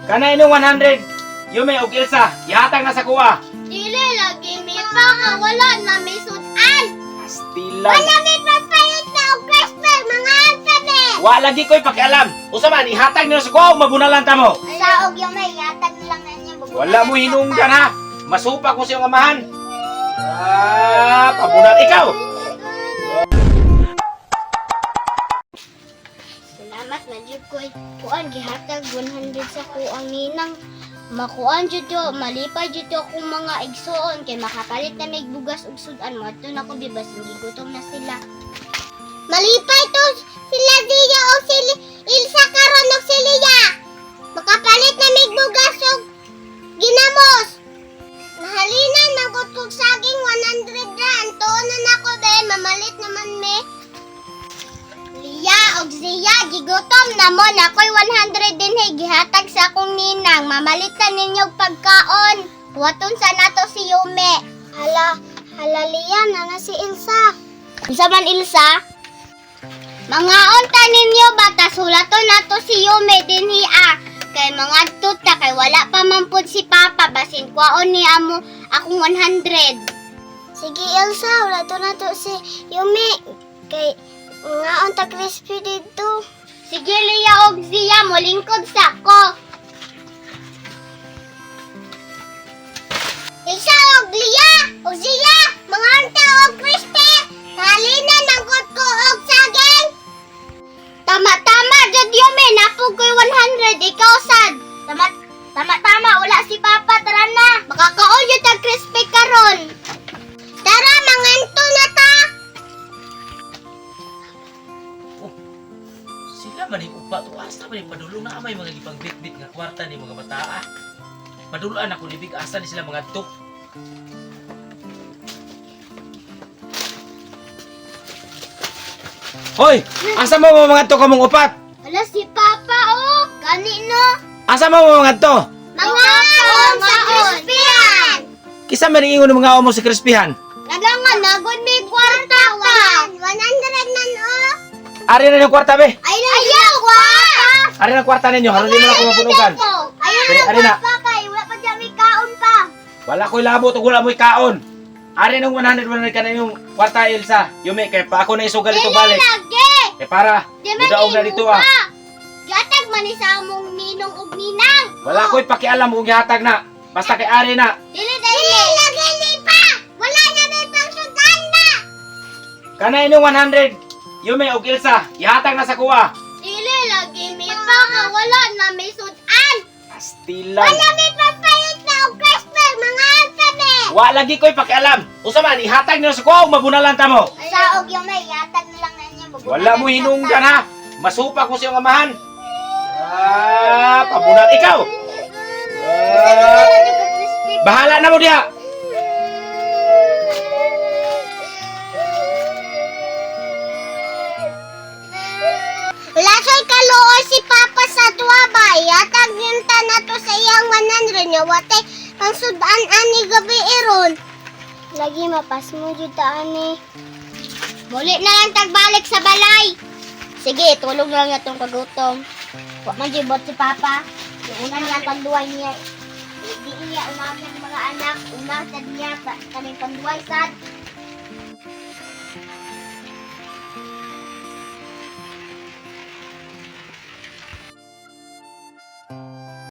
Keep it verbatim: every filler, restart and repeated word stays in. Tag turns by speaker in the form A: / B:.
A: Kanay nung one hundred. Yume o Ilsa, ihatag na sa kuha.
B: Dili lagi mi pa nga wala na may sudan.
A: Pastilan.
B: Wala may papalit na og Christmas mga antabe.
A: Wa lagi ko'y pakialam. Usa man, ihatag nyo sa kuha o mabunalan ta mo.
B: Sa og yung may yatag lang na niya.
A: Wala mo hinungdan ha. Masupa ko sa iyong amahan. Ah, pabunal ikaw.
B: Salamat na jud koy. Kuan gihatag one hundred sa kuang ninang. Makuan jud yo, malipay jud yo akong mga igsoon kay makapalit na may bugas ug sudan mo adto na ko bibas gigutom na sila. Malipay to sila Dia o si Ilsa karon og si Lia. Makapalit na may bugas ug ginamos. Nahalinan magud kog saging one hundred ra antuon na nako be mamalit naman me. Lia og Zia gigutom na mo na ko'y one hundred din hey gihatag sa akong ninang mamalitan ninyo og pagkaon. Waton sa nato si Yume. Hala, hala Lia na na si Ilsa. Isa man Ilsa? Mangaon ta ninyo bata sulaton nato si Yume dinhi ah. Kay mga tuta kay wala pa man pud si Papa basin kwaon ni amo akong one hundred. Sige Ilsa, wala to nato si Yume. Kay ngaon ta crispy dito. Sige Lia og Zia mo lingkod sa ko. Ilsa og Lia og Zia mga anta og crispy. Halina nangkot ko og saging. Tama-tama jud Yume napog ko'y one hundred ikaw sad. Tama tama-tama wala si Papa tara na. Makakaon jud tag crispy karon. Tara manganto na ta.
C: Sila man yung upa to asta man yung padulong na amay mga gipang bit-bit nga kwarta ni mga bataa. Paduluan ako ni big asa ni sila mga tuk.
A: Hoy, asa mo mga to kamong upat?
B: Hala si Papa oh. Gani no.
A: Asa mo mga to?
B: Mga on sa crispyan.
A: Kisa man ingon ng mga omo sa krispihan.
B: Nagangan nagod may kwarta ka. one hundred nan oh.
A: Ari na yung kwarta be.
B: Ay ayaw kwarta.
A: Ari na kwarta ninyo, haron di mo na ko mapunugan.
B: Ayaw
A: Pero,
B: na
A: ari na.
B: Papa kay wala pa dyan may kaon pa.
A: Wala ko'y labo to wala mo'y kaon. Ari nung one hundred one hundred ka na yung kwarta Ilsa. Yume kay pa ako na isugal ito balik.
B: lagi.
A: Eh para,
B: Di man
A: mudaog na dito ah.
B: Gatag man ni sa among ninong ug ninang.
A: Wala ko'y pakialam kung gihatag na. Basta kay ari na.
B: Dili dili. Dili lagi ni pa. Wala na may pangsudan na.
A: Kanay nung one hundred. Yume og Ilsa, ihatag na sa kuha.
B: Dili lagi mi pa nga wala na may sudan.
A: Pastilan.
B: Wala may papalit na og Christmas mga antabe.
A: Wa lagi ko'y pakialam. Usa man ihatag niyo sa kuha o mabunalan ta mo.
B: Sa og yung may yatag na lang na niya.
A: Wala mo hinungdan ha. Masupa ko sa iyong amahan. Ah, pabunal ikaw. Ah, bahala na mo diha.
B: Lasoy kaluoy si Papa sa tuwa ba? Yatag yun ta na to sa iyang one hundred niya. Watay pang sudan ani gabi iron. Lagi mapas mo jud ta ani. Muli na lang tagbalik sa balay. Sige, tulog lang na itong kagutom. Huwag man jibot si Papa. Yung una niya panduay niya. Hindi iya unahan ng mga anak. Una sa niya, kaming panduay sad.